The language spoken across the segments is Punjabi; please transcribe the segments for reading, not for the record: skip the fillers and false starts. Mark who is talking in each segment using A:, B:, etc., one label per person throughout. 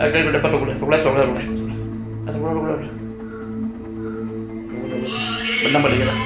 A: agak dapat rokulah. Atau rokulah. Benar pada kita.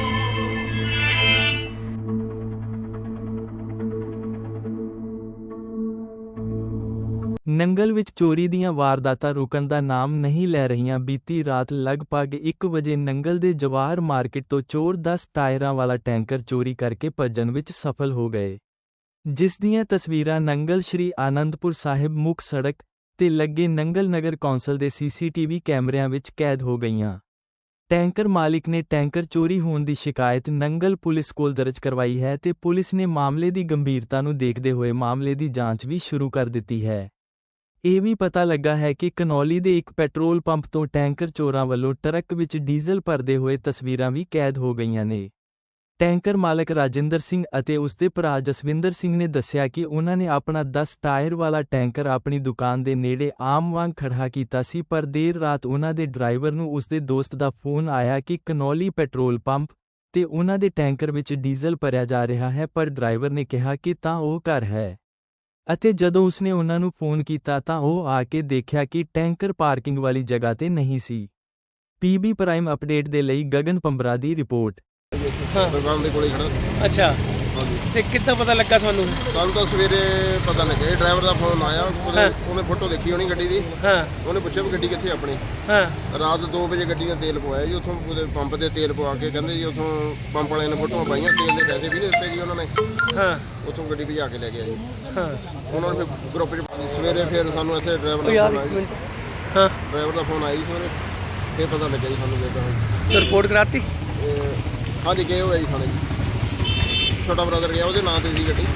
B: Nangal ਵਿੱਚ ਚੋਰੀ ਦੀਆਂ ਵਾਰਦਾਤਾਂ ਰੁਕਣ ਦਾ ਨਾਮ ਨਹੀਂ ਲੈ ਰਹੀਆਂ। ਬੀਤੀ ਰਾਤ ਲਗਭਗ 1 ਵਜੇ ਨੰਗਲ ਦੇ ਜਵਾਹਰ ਮਾਰਕੀਟ ਤੋਂ ਚੋਰ 10 ਟਾਇਰਾਂ ਵਾਲਾ ਟੈਂਕਰ ਚੋਰੀ ਕਰਕੇ ਭੱਜਣ ਵਿੱਚ ਸਫਲ ਹੋ ਗਏ, ਜਿਸ ਦੀਆਂ ਤਸਵੀਰਾਂ ਨੰਗਲ ਸ਼੍ਰੀ ਆਨੰਦਪੁਰ ਸਾਹਿਬ ਮੁੱਖ ਸੜਕ ਤੇ ਲੱਗੇ ਨੰਗਲ ਨਗਰ ਕੌਂਸਲ ਦੇ ਸੀਸੀਟੀਵੀ ਕੈਮਰਿਆਂ ਵਿੱਚ ਕੈਦ ਹੋ ਗਈਆਂ। ਟੈਂਕਰ ਮਾਲਿਕ ਨੇ ਟੈਂਕਰ ਚੋਰੀ ਹੋਣ ਦੀ ਸ਼ਿਕਾਇਤ ਨੰਗਲ ਪੁਲਿਸ ਕੋਲ ਦਰਜ ਕਰਵਾਈ ਹੈ ਤੇ ਪੁਲਿਸ ਨੇ ਮਾਮਲੇ ਦੀ ਗੰਭੀਰਤਾ ਨੂੰ ਦੇਖਦੇ ਹੋਏ ਮਾਮਲੇ ਦੀ ਜਾਂਚ ਵੀ ਸ਼ੁਰੂ ਕਰ ਦਿੱਤੀ ਹੈ। ਇਹ ਵੀ ਪਤਾ ਲੱਗਾ ਹੈ ਕਿ ਕਨੌਲੀ ਦੇ ਇੱਕ ਪੈਟਰੋਲ ਪੰਪ ਤੋਂ ਟੈਂਕਰ ਚੋਰਾਂ ਵੱਲੋਂ ਟਰੱਕ ਵਿੱਚ ਡੀਜ਼ਲ ਭਰਦੇ ਹੋਏ ਤਸਵੀਰਾਂ ਵੀ ਕੈਦ ਹੋ ਗਈਆਂ ਨੇ। ਟੈਂਕਰ ਮਾਲਕ ਰਾਜਿੰਦਰ ਸਿੰਘ ਅਤੇ ਉਸਦੇ ਭਰਾ ਜਸਵਿੰਦਰ ਸਿੰਘ ਨੇ ਦੱਸਿਆ ਕਿ ਉਹਨਾਂ ਨੇ ਆਪਣਾ 10 ਟਾਇਰ ਵਾਲਾ ਟੈਂਕਰ ਆਪਣੀ ਦੁਕਾਨ ਦੇ ਨੇੜੇ ਆਮ ਵਾਂਗ ਖੜ੍ਹਾ ਕੀਤਾ ਸੀ, ਪਰ ਦੇਰ ਰਾਤ ਉਹਨਾਂ ਦੇ ਡਰਾਈਵਰ ਨੂੰ ਉਸਦੇ ਦੋਸਤ ਦਾ ਫੋਨ ਆਇਆ ਕਿ ਕਨੌਲੀ ਪੈਟਰੋਲ ਪੰਪ ਤੇ ਉਹਨਾਂ ਦੇ ਟੈਂਕਰ ਵਿੱਚ ਡੀਜ਼ਲ ਭਰਿਆ ਜਾ ਰਿਹਾ ਹੈ, ਪਰ ਡਰਾਈਵਰ ਨੇ ਕਿਹਾ ਕਿ ਤਾਂ ਉਹ ਘਰ ਹੈ ਅਤੇ ਜਦੋਂ ਉਸਨੇ ਉਹਨਾਂ ਨੂੰ ਫੋਨ ਕੀਤਾ ਤਾਂ ਉਹ ਆ ਕੇ ਦੇਖਿਆ ਕਿ ਟੈਂਕਰ ਪਾਰਕਿੰਗ ਵਾਲੀ ਜਗ੍ਹਾ ਤੇ ਨਹੀਂ ਸੀ। ਪੀਬੀ ਪ੍ਰਾਈਮ ਅਪਡੇਟ ਦੇ ਲਈ ਗਗਨ ਪੰਬਰਾ ਦੀ ਰਿਪੋਰਟ।
C: ਦੁਕਾਨ ਦੇ ਕੋਲੇ ਖੜਾ।
D: ਅੱਛਾ,
C: ਹਾਂਜੀ।
D: ਤੇ ਕਿੱਦਾਂ ਪਤਾ ਲੱਗਾ ਤੁਹਾਨੂੰ?
C: ਸਾਨੂੰ ਤਾਂ ਸਵੇਰੇ ਪਤਾ ਲੱਗਿਆ, ਡਰਾਈਵਰ ਦਾ ਫੋਨ ਆਇਆ, ਉਹਨੇ ਫੋਟੋ ਦੇਖੀ ਹੋਣੀ ਗੱਡੀ ਦੀ।
D: ਹਾਂ।
C: ਉਹਨੇ ਪੁੱਛਿਆ ਵੀ ਗੱਡੀ ਕਿੱਥੇ ਆਪਣੀ।
D: ਹਾਂ।
C: ਰਾਤ 2 ਵਜੇ ਗੱਡੀ ਨੇ ਤੇਲ ਪਵਾਇਆ ਜੀ, ਉੱਥੋਂ ਉਹਦੇ ਪੰਪ ਤੇ ਤੇਲ ਪਵਾ ਕੇ ਕਹਿੰਦੇ ਜੀ ਉੱਥੋਂ ਪੰਪ ਵਾਲਿਆਂ ਨੇ ਫੋਟੋਆਂ ਪਾਈਆਂ, ਤੇਲ ਦੇ ਪੈਸੇ ਵੀ ਨਹੀਂ ਦਿੱਤੇ ਜੀ ਉਹਨਾਂ ਨੇ।
D: ਹਾਂ।
C: ਉੱਥੋਂ ਗੱਡੀ ਭਜਾ ਕੇ ਲੈ ਗਿਆ ਜੀ।
D: ਹਾਂ।
C: ਉਹਨਾਂ ਨੇ ਫਿਰ ਗਰੁੱਪ 'ਚ ਸਵੇਰੇ ਫਿਰ ਸਾਨੂੰ ਇੱਥੇ ਡਰਾਈਵਰ ਦਾ
D: ਯਾਰ
C: ਫੋਨ
D: ਇੱਕ
C: ਆਇਆ।
D: ਮਿੰਟ। ਹਾਂ।
C: ਡਰਾਈਵਰ ਦਾ ਫੋਨ ਆਈ ਸਵੇਰੇ, ਫਿਰ ਪਤਾ ਲੱਗਿਆ ਜੀ ਸਾਨੂੰ ਕਿੱਦਾਂ।
D: ਰਿਪੋਰਟ ਕਰਾਤੀ?
C: ਹਾਂਜੀ, ਗਏ ਹੋਏ ਜੀ ਥਾਣੇ ਜੀ। ਛੋਟਾ ਬ੍ਰਦਰ ਗਿਆ, ਉਹਦੇ ਨਾਂ ਤੇ ਸੀ ਗੱਡੀ,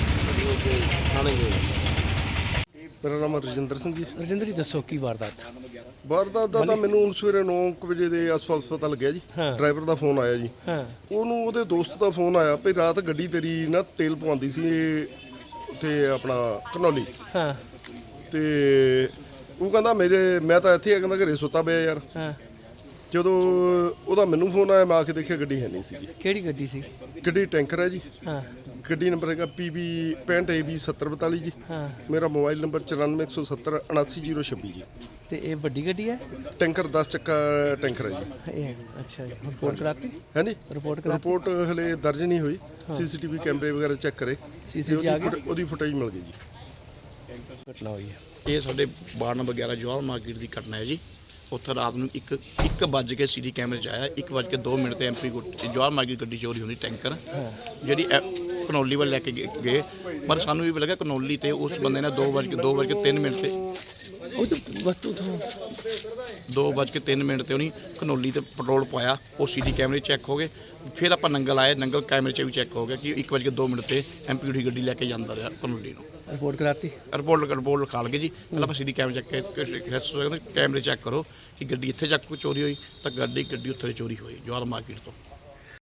C: ਥਾਣੇ ਗਏ। ਮੇਰਾ ਨਾਮ ਰਜਿੰਦਰ ਸਿੰਘ ਜੀ।
D: ਰਜਿੰਦਰ ਜੀ ਦੱਸੋ ਕੀ ਵਾਰਦਾਤ?
C: ਵਾਰਦਾਤ ਦਾ ਤਾਂ ਮੈਨੂੰ ਹੁਣ ਸਵੇਰੇ 9 ਵਜੇ ਦੇ ਆਸ-ਪਾਸ ਪਤਾ ਲੱਗਿਆ ਜੀ। ਡਰਾਈਵਰ ਦਾ ਫੋਨ ਆਇਆ ਜੀ।
D: ਹਾਂ।
C: ਉਹਨੂੰ ਉਹਦੇ ਦੋਸਤ ਦਾ ਫੋਨ ਆਇਆ ਵੀ ਰਾਤ ਗੱਡੀ ਤੇਰੀ ਨਾ ਤੇਲ ਪਵਾਉਂਦੀ ਸੀ ਉੱਥੇ ਆਪਣਾ ਕਨੌਲੀ।
D: ਹਾਂ।
C: ਤੇ ਉਹ ਕਹਿੰਦਾ ਮੈਂ ਤਾਂ ਇੱਥੇ ਆ, ਕਹਿੰਦਾ ਘਰੇ ਸੁੱਤਾ ਪਿਆ ਯਾਰ।
D: ਹਾਂ।
C: ਜਦੋਂ ਉਹਦਾ ਮੈਨੂੰ ਫੋਨ ਆਇਆ, ਮੈਂ ਆ ਕੇ ਦੇਖਿਆ ਗੱਡੀ ਹੈ ਨਹੀਂ ਸੀ।
D: ਕਿਹੜੀ ਗੱਡੀ ਸੀ?
C: ਗੱਡੀ ਟੈਂਕਰ ਹੈ ਜੀ।
D: ਹਾਂ।
C: ਗੱਡੀ ਨੰਬਰ ਹੈਗਾ PB 65AB 7042 ਜੀ।
D: ਹਾਂ।
C: ਮੇਰਾ ਮੋਬਾਈਲ ਨੰਬਰ 9417 79026 ਜੀ।
D: ਤੇ ਇਹ ਵੱਡੀ ਗੱਡੀ ਹੈ?
C: ਟੈਂਕਰ 10 ਚੱਕਾ ਟੈਂਕਰ ਹੈ ਜੀ।
D: ਅੱਛਾ ਜੀ। ਰਿਪੋਰਟ ਕਰਾਤੀ?
C: ਹਾਂਜੀ,
D: ਰਿਪੋਰਟ
C: ਹਲੇ ਦਰਜ ਨਹੀਂ ਹੋਈ। ਸੀਸੀਟੀਵੀ ਕੈਮਰੇ ਵਗੈਰਾ ਚੈੱਕ ਕਰੇ,
D: ਸੀਸੀਟੀਵੀ ਆ ਗਈ,
C: ਉਹਦੀ ਫੁਟੇਜ ਮਿਲ ਗਈ ਜੀ।
D: ਘਟਨਾ ਹੋਈ ਹੈ।
A: ਇਹ ਸਾਡੇ ਵਾਰਡ ਨੰਬਰ 11 ਜਵਾਹਰ ਮਾਰਕੀਟ ਦੀ ਘਟਨਾ ਹੈ ਜੀ। ਉੱਥੇ ਰਾਤ ਨੂੰ 1 ਵੱਜ ਕੇ ਸੀਡੀ ਕੈਮਰੇ 'ਚ ਆਇਆ, 1 ਵੱਜ ਕੇ 2 ਮਿੰਟ ਤੇ MP ਜਵਾਹਰ ਮਾਰਕੀਟ ਗੱਡੀ ਚੋਰੀ ਹੋਣੀ ਟੈਂਕਰ, ਜਿਹੜੀ ਕਨੌਲੀ ਵੱਲ ਲੈ ਕੇ ਗਏ। ਪਰ ਸਾਨੂੰ ਵੀ ਲੱਗਾ ਕਨੌਲੀ ਤੇ ਉਸ ਬੰਦੇ ਨੇ 2 ਵੱਜ ਕੇ 3 ਮਿੰਟ ਤੇ
D: ਉਹ ਤਾਂ ਵਸਤੂ ਤੋਂ
A: 2 ਵੱਜ ਕੇ 3 ਮਿੰਟ ਤੇ ਉਹਨੇ ਕਨੌਲੀ ਤੇ ਪੈਟਰੋਲ ਪਾਇਆ। ਉਹ ਸੀਡੀ ਕੈਮਰੇ ਚੈੱਕ ਹੋ ਗਏ। ਫਿਰ ਆਪਾਂ ਨੰਗਲ ਆਏ, ਨੰਗਲ ਕੈਮਰੇ 'ਚ ਵੀ ਚੈੱਕ ਹੋ ਗਿਆ ਕਿ 1 ਵੱਜ ਕੇ 2 ਮਿੰਟ ਤੇ MP ਦੀ ਗੱਡੀ ਲੈ ਕੇ ਜਾਂਦਾ ਰਿਹਾ ਕਨੌਲੀ ਨੂੰ।
D: ਰਿਪੋਰਟ ਕਰਾਤੀ?
A: ਰਿਪੋਰਟ ਲਿਖਾ ਲਗੇ ਜੀ। ਪਹਿਲਾਂ ਆਪਾਂ ਸੀਡੀ ਕੈਮਰੇ ਚੈੱਕ ਕੈਮਰੇ ਚੈੱਕ ਕਰੋ ਕਿ ਗੱਡੀ ਇੱਥੇ ਜਾ ਕੇ ਚੋਰੀ ਹੋਈ ਤਾਂ ਗੱਡੀ ਉੱਥੇ ਚੋਰੀ ਹੋਈ ਜਵਾਹਰ ਮਾਰਕੀਟ ਤੋਂ।